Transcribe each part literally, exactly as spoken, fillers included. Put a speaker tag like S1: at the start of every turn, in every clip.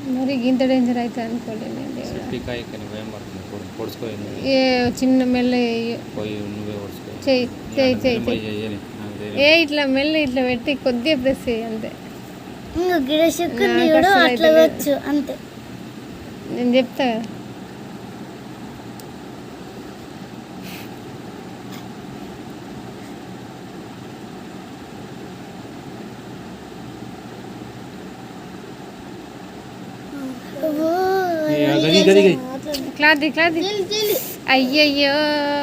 S1: మరి ఇంత డేంజర్ అయితే అనుకోలేదు నేను దేవుడా.
S2: సెప్టికాయ కానీ భయం పడుతుంది పొడి పొడుచుకోయింది
S1: ఏ చిన్న మెల్ల
S2: పోయి నువ్వే పొడుచుకో
S1: చెయ్యి చెయ్యి చెయ్యి
S2: పోయి
S1: చెయ్యి
S2: చెయ్యని నాకు ధైర్యం.
S1: ఏ ఇట్లా మెల్ల ఇట్లా పెట్టి కొద్దిగా ప్రెస్ చేయి అంతే.
S3: ఇంకా గిడశక్తి కూడా అట్లా వచ్చు అంతే.
S1: నేను చెప్తా కదా.
S2: గది గది గది
S1: క్లాత్ క్లాత్ అయ్యయ్యో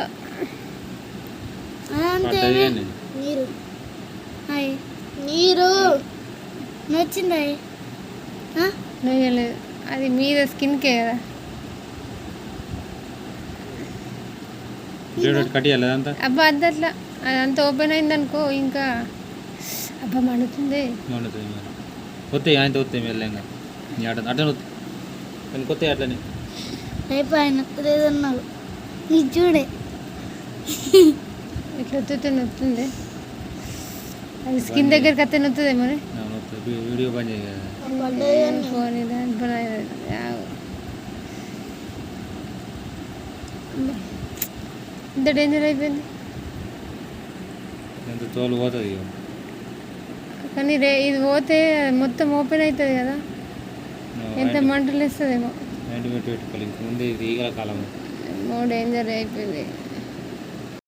S3: అంతే
S2: పడ్డది కానీ
S3: నీరు హాయ్ నీరు నచ్చిందా
S1: నొయ్యలేదు అది మీద స్కిన్కే కదా.
S2: కట్టియాలి అదంతా
S1: అబ్బా అంత అట్లా అదంతా ఓపెన్ అయింది అనుకో ఇంకా అబ్బా మండుతుంది.
S2: మండుతుంది మరి వస్తాయి ఆయన వస్తాయి మెల్లంగా అట్లా అట్లనే వస్తాయి కానీ కొత్త అట్లనే
S3: అయిపోయిన లేదన్నావు నీ చూడే
S1: ఇట్లా వస్తుంది నొత్తుంది. అది స్కిన్ దగ్గరికి వస్తే నొత్తుంది మరి.
S2: వీడియో బంద్ చేయ
S1: ఫోన్ ఇంత డేంజర్ అయిపోయింది.
S2: ఎంత తోలు పోతుంది
S1: కానీ రే ఇది పోతే మొత్తం ఓపెన్ అవుతుంది కదా, ఎంత మంటలు వేస్తుందేమో.
S2: ముందే ఇది ఈగల కాలం
S1: మో డేంజర్ అయిపోయింది.